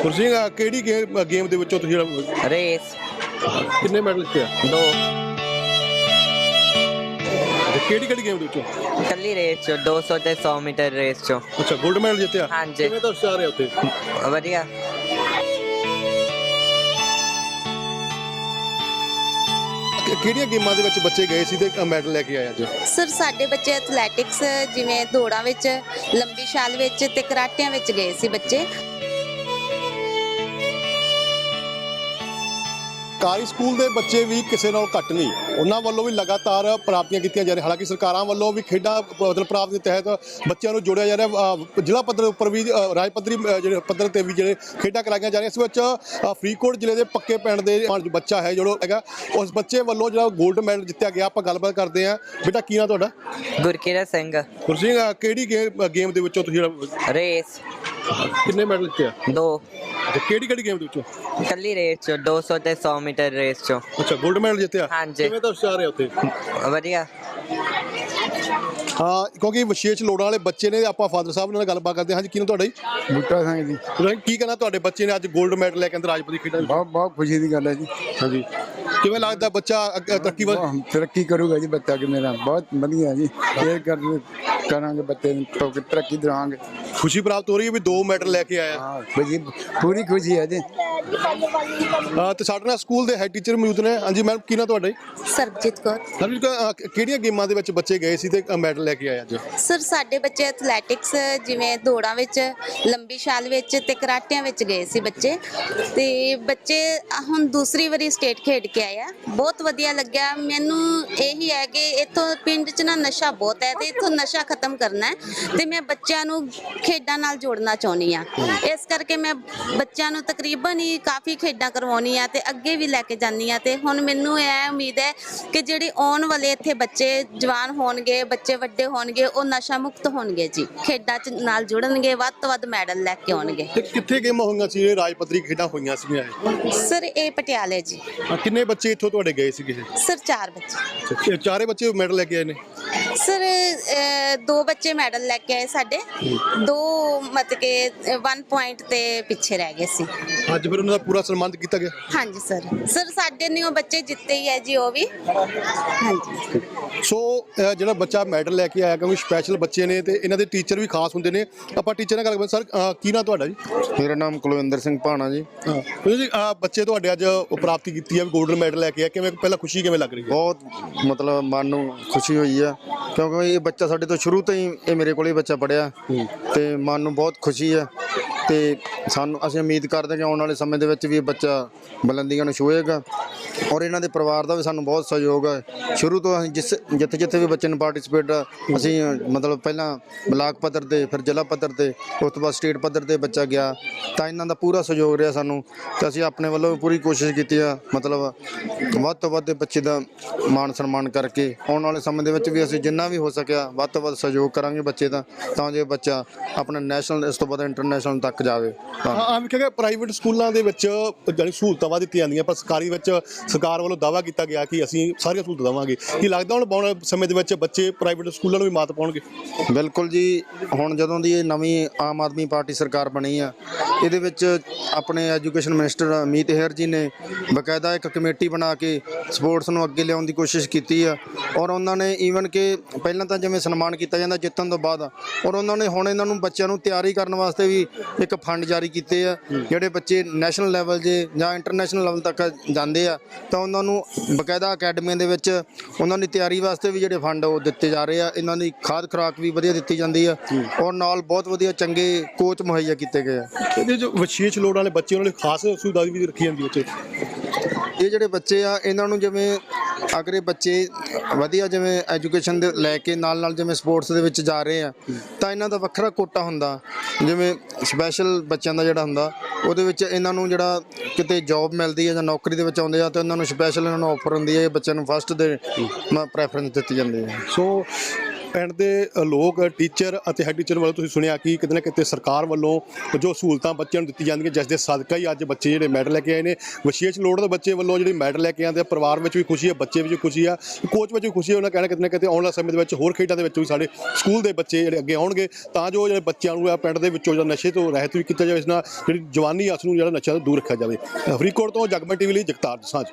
ਗੁਰਸਿੰਘ ਕਿਹੜੀ ਗੇਮ ਦੇ ਵਿੱਚੋਂ ਤੁਸੀਂ रेस ਕਿੰਨੇ ਮੈਡਲ ਜਿੱਤੇ ਆ? 2 ਤੇ ਕਿਹੜੀ ਗੇਮ ਦੇ ਵਿੱਚੋਂ? कली रेस चो 200 ते 100 मीटर रेस चो ਅੱਛਾ 골ਡ ਮੈਡਲ ਜਿੱਤਿਆ। ਹਾਂਜੀ। ਕਿਵੇਂ ਦਾ ਉਤਸ਼ਾਹ ਰਿਹਾ ਉੱਥੇ? वधिया ਕਿਹੜੀਆਂ ਗੇਮਾਂ ਦੇ ਵਿੱਚ ਬੱਚੇ ਗਏ ਸੀ ਤੇ ਮੈਡਲ ਲੈ ਕੇ ਆਏ ਅੱਜ? ਸਰ ਸਾਡੇ ਬੱਚੇ ਐਥਲੈਟਿਕਸ ਜਿਵੇਂ ਦੌੜਾਂ ਵਿੱਚ, ਲੰਬੀ ਛਾਲ ਵਿੱਚ ਤੇ ਕਰਾਟਿਆਂ ਵਿੱਚ ਗਏ ਸੀ ਬੱਚੇ। ਸਰਕਾਰੀ ਸਕੂਲ ਦੇ ਬੱਚੇ ਵੀ ਕਿਸੇ ਨਾਲ ਘੱਟ ਨਹੀਂ, ਉਹਨਾਂ ਵੱਲੋਂ ਵੀ ਲਗਾਤਾਰ ਪ੍ਰਾਪਤੀਆਂ ਕੀਤੀਆਂ ਜਾ ਰਹੀਆਂ। ਹਾਲਾਂਕਿ ਸਰਕਾਰਾਂ ਵੱਲੋਂ ਵੀ ਖੇਡਾਂ ਮਤਲਬ ਪ੍ਰਾਪਤੀ ਦੇ ਤਹਿਤ ਬੱਚਿਆਂ ਨੂੰ ਜੋੜਿਆ ਜਾ ਰਿਹਾ। ਜ਼ਿਲ੍ਹਾ ਪੱਧਰ ਉੱਪਰ ਵੀ ਰਾਜ ਪੱਧਰੀ ਜਿਹੜੇ ਪੱਧਰ ਤੇ ਵੀ ਜਿਹੜੇ ਖੇਡਾਂ ਕਰਾਈਆਂ ਜਾ ਰਹੀਆਂ। ਇਸ ਵਿੱਚ ਫਰੀਦਕੋਟ ਜ਼ਿਲ੍ਹੇ ਦੇ ਪੱਕੇ ਪਿੰਡ ਦੇ ਬੱਚਾ ਹੈ ਜਿਹੜਾ ਹੈਗਾ, ਉਸ ਬੱਚੇ ਵੱਲੋਂ ਜਿਹੜਾ 골ਡ ਮੈਡਲ ਜਿੱਤਿਆ ਗਿਆ। ਆਪਾਂ ਗੱਲਬਾਤ ਕਰਦੇ ਹਾਂ। ਬੇਟਾ ਕੀ ਨਾਂ ਤੁਹਾਡਾ? गुरकीरत सिंह ਗੁਰਸਿੰਘ ਕਿਹੜੀ ਗੇਮ ਦੇ ਵਿੱਚੋਂ ਤੁਸੀਂ रेस ਕਿੰਨੇ ਮੈਡਲ ਜਿੱਤੇ ਆ? 2 ਤੇ ਕਿਹੜੀ ਗੇਮ ਦੇ ਵਿੱਚੋਂ? कली रेस चो 200 ते 100 मीटर रेस चो ਅੱਛਾ 골ਡ ਮੈਡਲ ਜਿੱਤਿਆ। ਹਾਂਜੀ। ਕਿਵੇਂ ਦਾ ਉਤਸ਼ਾਹ ਰਿਹਾ ਉੱਥੇ? वधिया ਹਾਂ, ਕਿਉਂਕਿ ਵਿਸ਼ੇਸ਼ ਲੋੜਾਂ ਵਾਲੇ ਬੱਚੇ ਨੇ। ਆਪਾਂ ਫਾਦਰ ਸਾਹਿਬ ਨਾਲ ਗੱਲਬਾਤ ਕਰਦੇ ਹਾਂ। ਹਾਂਜੀ, ਕੀ ਨਾਮ ਤੁਹਾਡਾ ਜੀ? ਬੂਟਾ ਸਿੰਘ ਜੀ। ਤੁਸੀਂ ਕੀ ਕਹਿਣਾ, ਤੁਹਾਡੇ ਬੱਚੇ ਨੇ ਅੱਜ 골ਡ ਮੈਡਲ ਲੈ ਕੇ ਅੰਦਰ ਰਾਜਪੁਰੀ ਖੇਡਾਂ ਵਿੱਚ? ਬਹੁਤ ਖੁਸ਼ੀ ਦੀ ਗੱਲ ਹੈ ਜੀ। ਹਾਂਜੀ, ਕਿਵੇਂ ਲੱਗਦਾ ਬੱਚਾ ਅੱਗੇ ਤਰੱਕੀ ਵੱਲ? ਬਹੁਤ ਤਰੱਕੀ ਕਰੂਗਾ ਜੀ ਬੱਚਾ ਕਿ ਮੇਰਾ ਬਹੁਤ ਵਧੀਆ ਜੀ। ਇਹ ਕਰਾਂਗੇ ਬੱਚੇ ਨੂੰ ਤਰੱਕੀ ਦਵਾਂਗੇ। ਖੁਸ਼ੀ ਪ੍ਰਾਪਤ ਹੋ ਰਹੀ ਹੈ ਵੀ 2 ਮੈਡਲ ਲੈ ਕੇ ਆਇਆ। ਹਾਂ ਖੁਸ਼ੀ, ਪੂਰੀ ਖੁਸ਼ੀ ਹੈ ਜੀ। ਤੇ ਸਾਡੇ ਨਾਲ ਸਕੂਲ ਦੇ ਹੈਡ ਟੀਚਰ ਮੌਜੂਦ ਨੇ। ਹਾਂਜੀ ਮੈਮ, ਕੀ ਨਾਮ ਤੁਹਾਡਾ ਜੀ? ਸਰਬਜੀਤ ਕੌਰ। ਕਿਹੜੀਆਂ ਗੇਮਾਂ ਦੇ ਵਿੱਚ ਬੱਚੇ ਗਏ ਸੀ ਤੇ ਮੈਡਲ ਲੈ ਕੇ ਆਏ ਅੱਜ? ਸਰ ਸਾਡੇ ਬੱਚੇ ਐਥਲੈਟਿਕਸ ਜਿਵੇਂ ਦੌੜਾਂ ਵਿੱਚ, ਲੰਬੀ ਛਾਲ ਵਿੱਚ ਤੇ ਕਰਾਟਿਆਂ ਵਿੱਚ ਗਏ ਸੀ ਬੱਚੇ। ਤੇ ਬੱਚੇ ਹੁਣ ਦੂਸਰੀ ਵਾਰੀ ਸਟੇਟ ਖੇਡ ਕੇ ਆਏ ਆ। ਬਹੁਤ ਵਧੀਆ ਲੱਗਿਆ ਮੈਨੂੰ। ਇਹੀ ਹੈ ਕਿ ਇੱਥੋਂ ਪਿੰਡ 'ਚ ਨਾ ਨਸ਼ਾ ਬਹੁਤ ਹੈ ਤੇ ਇੱਥੋਂ ਨਸ਼ਾ ਖਤਮ ਕਰਨਾ ਹੈ ਤੇ ਮੈਂ ਬੱਚਿਆਂ ਨੂੰ ਖੇਡਾਂ ਨਾਲ ਜੋੜਨਾ ਚਾਹੁੰਦੀ ਆ। ਇਸ ਕਰਕੇ ਮੈਂ ਬੱਚਿਆਂ ਨੂੰ ਤਕਰੀਬਨ ਹੀ ਕਾਫੀ ਖੇਡਾਂ ਕਰਵਾਉਣੀ ਆ ਤੇ ਅੱਗੇ ਵੀ ਲੈ ਕੇ ਜਾਂਦੀ ਆ। ਤੇ ਹੁਣ ਮੈਨੂੰ ਇਹ ਉਮੀਦ ਹੈ ਕਿ ਜਿਹੜੇ ਆਉਣ ਵਾਲੇ ਇੱਥੇ ਬੱਚੇ ਜਵਾਨ ਹੋਣਗੇ, ਬੱਚੇ ਵੱਡੇ ਹੋਣਗੇ, ਉਹ ਨਸ਼ਾ ਮੁਕਤ ਹੋਣਗੇ ਜੀ। ਖੇਡਾਂ 'ਚ ਨਾਲ ਜੁੜਨਗੇ, ਵੱਧ ਤੋਂ ਵੱਧ ਮੈਡਲ ਲੈ ਕੇ ਆਉਣਗੇ। ਤੇ ਕਿੱਥੇ ਗੇਮਾਂ ਹੋਈਆਂ ਸੀ? ਇਹ ਰਾਜ ਪੱਧਰੀ ਖੇਡਾਂ ਹੋਈਆਂ ਸੀਗੀਆਂ ਇਹ? ਸਰ ਇਹ ਪਟਿਆਲੇ ਜੀ। ਕਿੰਨੇ ਬੱਚੇ ਇੱਥੋਂ ਤੁਹਾਡੇ ਗਏ ਸੀਗੇ? ਸਰ 4 ਬੱਚੇ। ਇਹ ਚਾਰੇ ਬੱਚੇ ਮੈਡਲ ਲੈ ਕੇ ਆਏ ਨੇ? ਸਰ 2 ਬੱਚੇ ਮੈਡਲ ਲੈ ਕੇ ਆਏ ਸਾਡੇ। 2 ਮਤਲਬ ਕਿ 1 ਪੁਆਇੰਟ ਤੇ ਪਿੱਛੇ ਰਹਿ ਗਏ ਸੀ। ਅੱਜ ਫਿਰ ਉਹਨਾਂ ਦਾ ਪੂਰਾ ਸਨਮਾਨਿਤ ਕੀਤਾ ਗਿਆ? ਹਾਂਜੀ ਸਰ ਸਾਡੇ ਨਿਓ ਬੱਚੇ ਜਿੱਤੇ ਹੀ ਹੈ ਜੀ ਉਹ ਵੀ। ਹਾਂਜੀ। ਸੋ ਜਿਹੜਾ ਬੱਚਾ ਮੈਡਲ ਲੈ ਕੇ ਆਇਆ, ਕਿਉਂਕਿ ਸਪੈਸ਼ਲ ਬੱਚੇ ਨੇ ਤੇ ਇਹਨਾਂ ਦੇ ਟੀਚਰ ਵੀ ਖਾਸ ਹੁੰਦੇ ਨੇ। ਆਪਾਂ ਟੀਚਰ ਨਾਲ ਗੱਲ ਕਰਦੇ। ਸਰ ਕੀ ਨਾਂ ਤੁਹਾਡਾ ਜੀ? ਮੇਰਾ ਨਾਮ ਕੁਲਵਿੰਦਰ ਸਿੰਘ ਭਾਣਾ ਜੀ। ਜੀ ਬੱਚੇ ਤੁਹਾਡੇ ਅੱਜ ਪ੍ਰਾਪਤੀ ਕੀਤੀ ਹੈ, 골ਡ ਮੈਡਲ ਲੈ ਕੇ ਆਇਆ, ਕਿਵੇਂ ਪਹਿਲਾਂ ਖੁਸ਼ੀ ਕਿਵੇਂ ਲੱਗ ਰਹੀ ਹੈ? ਬਹੁਤ ਮਤਲਬ ਮਨ ਨੂੰ ਖੁਸ਼ੀ ਹੋਈ ਆ, ਕਿਉਂਕਿ ਇਹ ਬੱਚਾ ਸਾਡੇ ਤੋਂ ਸ਼ੁਰੂ ਤੋਂ ਹੀ ਇਹ ਮੇਰੇ ਕੋਲ ਹੀ ਬੱਚਾ ਪੜ੍ਹਿਆ ਤੇ ਮਨ ਨੂੰ ਬਹੁਤ ਖੁਸ਼ੀ ਆ। ਤੇ ਅਸੀਂ ਉਮੀਦ ਕਰਦੇ ਕਿ ਆਉਣ ਵਾਲੇ ਸਮੇਂ ਦੇ ਵਿੱਚ ਵੀ ਇਹ ਬੱਚਾ ਬੁਲੰਦੀਆਂ ਨੂੰ ਛੂਹੇਗਾ। ਔਰ ਇਹਨਾਂ ਦੇ ਪਰਿਵਾਰ ਦਾ ਵੀ ਸਾਨੂੰ ਬਹੁਤ ਸਹਿਯੋਗ ਹੈ। ਸ਼ੁਰੂ ਤੋਂ ਅਸੀਂ ਜਿੱਥੇ ਵੀ ਬੱਚੇ ਨੂੰ ਪਾਰਟਿਸਿਪੇਟ ਅਸੀਂ ਮਤਲਬ ਪਹਿਲਾਂ ਬਲਾਕ ਪੱਧਰ ਤੇ, ਫਿਰ ਜ਼ਿਲ੍ਹਾ ਪੱਧਰ ਤੇ, ਉਸ ਤੋਂ ਬਾਅਦ ਸਟੇਟ ਪੱਧਰ ਤੇ ਬੱਚਾ ਗਿਆ ਤਾਂ ਇਹਨਾਂ ਦਾ ਪੂਰਾ ਸਹਿਯੋਗ ਰਿਹਾ ਸਾਨੂੰ। ਤੇ ਅਸੀਂ ਆਪਣੇ ਵੱਲੋਂ ਵੀ ਪੂਰੀ ਕੋਸ਼ਿਸ਼ ਕੀਤੀ ਆ, ਮਤਲਬ ਵੱਧ ਤੋਂ ਵੱਧ ਬੱਚੇ ਦਾ ਮਾਣ ਸਨਮਾਨ ਕਰਕੇ ਆਉਣ ਵਾਲੇ ਸਮੇਂ ਦੇ ਵਿੱਚ ਵੀ ਅਸੀਂ ਜਿੰਨਾ ਵੀ ਹੋ ਸਕਿਆ ਵੱਧ ਤੋਂ ਵੱਧ ਸਹਿਯੋਗ ਕਰਾਂਗੇ ਬੱਚੇ ਦਾ, ਤਾਂ ਜੋ ਬੱਚਾ ਆਪਣਾ ਨੈਸ਼ਨਲ, ਇਸ ਤੋਂ ਬਾਅਦ ਇੰਟਰਨੈਸ਼ਨਲ ਤੱਕ ਜਾਵੇ। ਹਾਂ, ਵੇਖਿਆ ਪ੍ਰਾਈਵੇਟ ਸਕੂਲਾਂ ਦੇ ਵਿੱਚ ਜਿਹੜੀ ਸਹੂਲਤਾਂ ਵਾ ਦਿੱਤੀਆਂ ਜਾਂਦੀਆਂ, ਪਰ ਸਰਕਾਰੀ ਵਿੱਚ ਸਰਕਾਰ ਵੱਲੋਂ ਦਾਅਵਾ ਕੀਤਾ ਗਿਆ ਕਿ ਅਸੀਂ ਸਾਰੀਆਂ ਸਹੂਲਤਾਂ ਦੇਵਾਂਗੇ। ਕੀ ਲੱਗਦਾ ਹੁਣ ਆਉਣ ਵਾਲੇ ਸਮੇਂ ਦੇ ਵਿੱਚ ਬੱਚੇ ਪ੍ਰਾਈਵੇਟ ਸਕੂਲਾਂ ਨੂੰ ਵੀ ਮਾਤ ਪਾਉਣਗੇ? ਬਿਲਕੁਲ ਜੀ। ਹੁਣ ਜਦੋਂ ਦੀ ਇਹ ਨਵੀਂ ਆਮ ਆਦਮੀ ਪਾਰਟੀ ਸਰਕਾਰ ਬਣੀ ਆ, ਇਹਦੇ ਵਿੱਚ ਆਪਣੇ ਐਜੂਕੇਸ਼ਨ ਮਿਨਿਸਟਰ ਅਮਿਤ ਹੇਰ ਜੀ ਨੇ ਬਕਾਇਦਾ ਇੱਕ ਕਮੇਟੀ ਬਣਾ ਕੇ ਸਪੋਰਟਸ ਨੂੰ ਅੱਗੇ ਲਿਆਉਣ ਦੀ ਕੋਸ਼ਿਸ਼ ਕੀਤੀ ਆ। ਔਰ ਉਹਨਾਂ ਨੇ ਈਵਨ ਕਿ ਪਹਿਲਾਂ ਤਾਂ ਜਿਵੇਂ ਸਨਮਾਨ ਕੀਤਾ ਜਾਂਦਾ ਜਿੱਤਣ ਤੋਂ ਬਾਅਦ, ਔਰ ਉਹਨਾਂ ਨੇ ਹੁਣ ਇਹਨਾਂ ਨੂੰ ਬੱਚਿਆਂ ਨੂੰ ਤਿਆਰੀ ਕਰਨ ਵਾਸਤੇ ਵੀ ਇੱਕ ਫੰਡ ਜਾਰੀ ਕੀਤੇ ਆ। ਜਿਹੜੇ ਬੱਚੇ ਨੈਸ਼ਨਲ ਲੈਵਲ 'ਤੇ ਜਾਂ ਇੰਟਰਨੈਸ਼ਨਲ ਲੈਵਲ ਤੱਕ ਜਾਂਦੇ ਆ ਤਾਂ ਉਹਨਾਂ ਨੂੰ ਬਕਾਇਦਾ ਅਕੈਡਮੀਆਂ ਦੇ ਵਿੱਚ ਉਹਨਾਂ ਦੀ ਤਿਆਰੀ ਵਾਸਤੇ ਵੀ ਜਿਹੜੇ ਫੰਡ ਉਹ ਦਿੱਤੇ ਜਾ ਰਹੇ ਆ। ਇਹਨਾਂ ਦੀ ਖਾਦ ਖੁਰਾਕ ਵੀ ਵਧੀਆ ਦਿੱਤੀ ਜਾਂਦੀ ਆ ਔਰ ਨਾਲ ਬਹੁਤ ਵਧੀਆ ਚੰਗੇ ਕੋਚ ਮੁਹੱਈਆ ਕੀਤੇ ਗਏ ਆ। ਇਹਦੇ ਜੋ ਵਿਸ਼ੇਸ਼ ਲੋੜਾਂ ਵਾਲੇ ਬੱਚੇ ਉਹਨਾਂ ਲਈ ਖਾਸ ਸੁਵਿਧਾ ਵੀ ਰੱਖੀ ਜਾਂਦੀ ਉੱਥੇ? ਇਹ ਜਿਹੜੇ ਬੱਚੇ ਆ ਇਹਨਾਂ ਨੂੰ ਜਿਵੇਂ ਅਗਰ ਇਹ ਬੱਚੇ ਵਧੀਆ ਜਿਵੇਂ ਐਜੂਕੇਸ਼ਨ ਦੇ ਲੈ ਕੇ ਨਾਲ ਜਿਵੇਂ ਸਪੋਰਟਸ ਦੇ ਵਿੱਚ ਜਾ ਰਹੇ ਆ ਤਾਂ ਇਹਨਾਂ ਦਾ ਵੱਖਰਾ ਕੋਟਾ ਹੁੰਦਾ। ਜਿਵੇਂ ਸਪੈਸ਼ਲ ਬੱਚਿਆਂ ਦਾ ਜਿਹੜਾ ਹੁੰਦਾ ਉਹਦੇ ਵਿੱਚ ਇਹਨਾਂ ਨੂੰ ਜਿਹੜਾ ਕਿਤੇ ਜੌਬ ਮਿਲਦੀ ਹੈ ਜਾਂ ਨੌਕਰੀ ਦੇ ਵਿੱਚ ਆਉਂਦੇ ਆ ਤਾਂ ਇਹਨਾਂ ਨੂੰ ਸਪੈਸ਼ਲ ਇਹਨਾਂ ਨੂੰ ਆਫਰ ਹੁੰਦੀ ਹੈ। ਬੱਚਿਆਂ ਨੂੰ ਫਸਟ ਦੇ ਪ੍ਰੈਫਰੈਂਸ ਦਿੱਤੀ ਜਾਂਦੀ ਹੈ। ਸੋ ਪਿੰਡ ਦੇ ਲੋਕ ਟੀਚਰ ਅਤੇ ਹੈਡ ਟੀਚਰ ਵੱਲੋਂ ਤੁਸੀਂ ਸੁਣਿਆ ਕਿ ਕਿਤੇ ਨਾ ਕਿਤੇ ਸਰਕਾਰ ਵੱਲੋਂ ਜੋ ਸਹੂਲਤਾਂ ਬੱਚਿਆਂ ਨੂੰ ਦਿੱਤੀ ਜਾਂਦੀਆਂ ਜਿਸ ਦੇ ਸਦਕਾ ਹੀ ਅੱਜ ਬੱਚੇ ਜਿਹੜੇ ਮੈਡਲ ਲੈ ਕੇ ਆਏ ਨੇ। ਵਿਸ਼ੇਸ਼ ਲੋੜ ਦੇ ਬੱਚੇ ਵੱਲੋਂ ਜਿਹੜੇ ਮੈਡਲ ਲੈ ਕੇ ਆਉਂਦੇ ਆ, ਪਰਿਵਾਰ ਵਿੱਚ ਵੀ ਖੁਸ਼ੀ ਹੈ, ਬੱਚੇ ਵਿੱਚ ਵੀ ਖੁਸ਼ੀ ਆ, ਕੋਚ ਵਿੱਚ ਵੀ ਖੁਸ਼ੀ ਹੈ। ਉਹਨਾਂ ਕਹਿਣਾ ਕਿਤੇ ਨਾ ਕਿਤੇ ਆਉਣ ਵਾਲੇ ਸਮੇਂ ਦੇ ਵਿੱਚ ਹੋਰ ਖੇਡਾਂ ਦੇ ਵਿੱਚ ਵੀ ਸਾਡੇ ਸਕੂਲ ਦੇ ਬੱਚੇ ਜਿਹੜੇ ਅੱਗੇ ਆਉਣਗੇ ਤਾਂ ਜੋ ਜਿਹੜੇ ਬੱਚਿਆਂ ਨੂੰ ਆ ਪਿੰਡ ਦੇ ਵਿੱਚੋਂ ਜਿਹੜਾ ਨਸ਼ੇ ਤੋਂ ਰਹਿਤ ਵੀ ਕੀਤਾ ਜਾਵੇ, ਇਸ ਨਾਲ ਜਿਹੜੀ ਜਵਾਨੀ ਆ ਉਸ ਨੂੰ ਜਿਹੜਾ ਨਸ਼ਾ ਤੋਂ ਦੂਰ ਰੱਖਿਆ ਜਾਵੇ। ਫਰੀਦਕੋਟ ਤੋਂ ਜਗਮਨ ਟੀਵੀ ਲਈ ਜਗਤਾਰ ਦਸਾਂਝ।